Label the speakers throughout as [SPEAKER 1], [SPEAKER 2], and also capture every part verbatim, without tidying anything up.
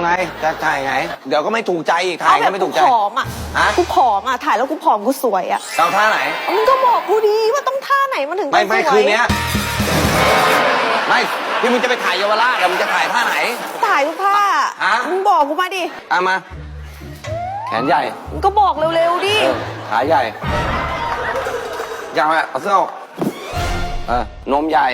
[SPEAKER 1] ไงจะถ่ายไงเดี๋ยวก็ไม่ถูกใจอีกถ่ายก็ไม่ถูกใจ
[SPEAKER 2] เอาแบบกูผอมอ่ะ
[SPEAKER 1] ฮะ
[SPEAKER 2] กูผอมอ่ะถ่ายแล้วกูผอมกูสวยอ่ะ
[SPEAKER 1] เอาท่าไหน
[SPEAKER 2] มึงก็บอกกูดีว่าต้องท่าไหนมันถึงจะ
[SPEAKER 1] ไม่ไม่
[SPEAKER 2] สวย
[SPEAKER 1] คืนเนี้ยไม่ที่มึงจะไปถ่ายเยาวราชอะมึงจะถ่ายท่าไหน
[SPEAKER 2] ถ่ายทุกท่า
[SPEAKER 1] ฮะ
[SPEAKER 2] มึงบอกกูมาดิ
[SPEAKER 1] เอามา แขนใหญ่
[SPEAKER 2] มึงก็บอกเร็วๆดิ
[SPEAKER 1] เออขาใหญ่ยาวอะเอาเสื้อออกเออนมใหญ่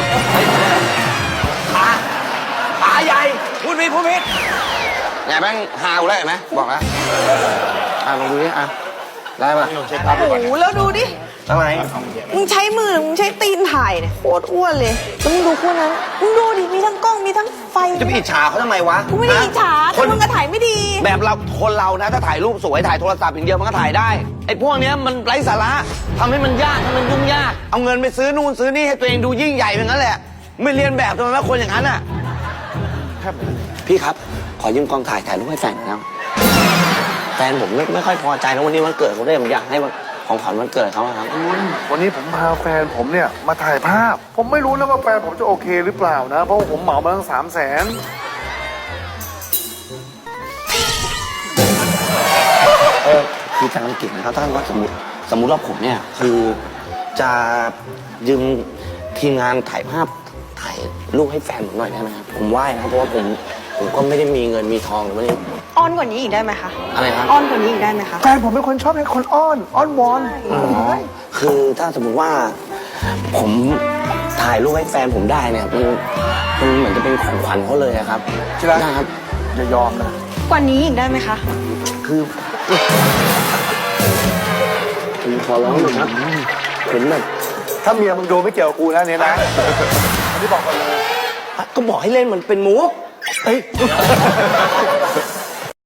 [SPEAKER 1] ขาขาใหญ่พูดผิดพูดผิดไหนแม่งฮาวแล้วเห็นไหมบอกแล้วอ่ะลองดูดิอ่ะได้ปะ
[SPEAKER 2] โอ้โหแล้วดูดิ
[SPEAKER 1] ทำไม
[SPEAKER 2] มึงใช้มือหรือมึงใช้ตีนถ่ายเนี่ยโคตรอ้วนเลยแล้วมึงดูคู่นั้นมึงดูดิมีทั้งกล้องมีทั้งไฟ
[SPEAKER 1] จะไปอิจฉาเขาทำไมวะ
[SPEAKER 2] กูไม่ได้อิจฉา
[SPEAKER 1] ค
[SPEAKER 2] แต่
[SPEAKER 1] น
[SPEAKER 2] มึงก็ถ่ายไม่ดี
[SPEAKER 1] แบบเราคนเรานะถ้าถ่ายรูปสวยถ่ายโทรศัพท์อย่างเดียวมันก็ถ่ายได้ไอ้พวกเนี้ยมันไร้สาระทำให้มันยากให้มันยุ่งยากเอาเงินไปซื้อนู่นซื้อนี่ให้ตัวเองดูยิ่งใหญ่อย่างนั้นแหละไม่เรียนแบบทำไมว่าคนอย่างนั้นอ่ะพี่ครับขอยืมกล้องถ่ายถ่ายรูปให้แฟนหน่อยนะแฟนผมไม่ไม่ค่อยพอใจนะวันนี้วันเกิดเขาด้วยผมอยากให้ของขวัญวันเกิดเขาอะครับ
[SPEAKER 3] คุณวันนี้ผมพาแฟนผมเนี่ยมาถ่ายภาพ ผมไม่รู้นะว่าแฟนผมจะโอเคหรือเปล่านะ เพราะว่าผมเหมามาตั้งสามแสน
[SPEAKER 1] เออคือทางอังกฤษนะครับถ้าว่าสมมติสมมติว่าผมเนี่ยคือจะยืมทีมงานถ่ายภาพถ่ายรูปให้แฟนผมหน่อยได้ไหมครับผมไหว้นะครับเพราะว่าผมผมก็ไม่ได้มีเงินมีทองหรือว่านี่
[SPEAKER 2] อ้อนกว่านี้อีกได้ไหมคะ
[SPEAKER 1] อะไรครับ
[SPEAKER 2] อ้อนกว่านี้อีกได้ไหมคะ
[SPEAKER 3] แฟนผมเป็นคนชอบให้คนอ้อน อ้อนวอน
[SPEAKER 1] อ๋อคือถ้าสมมติว่าผมถ่ายรูปให้แฟนผมได้เนี่ยมันมันเหมือนจะเป็นของขวัญเขาเลยอะครับ
[SPEAKER 3] ใช่ไหม
[SPEAKER 1] ได้ครับ
[SPEAKER 3] อย่ายอมนะ
[SPEAKER 2] กว่านี้อีกได้ไหมคะ
[SPEAKER 1] คือผมขอร้องหน่อยครับผมแบบ
[SPEAKER 3] ถ้าเมียมึงดูไม่เกี่ยวกับกูนะเนี่ยนะอันนี้บอกก่อนเลย
[SPEAKER 1] ก็บอกให้เล่นมันเป็นมุกเอ้ย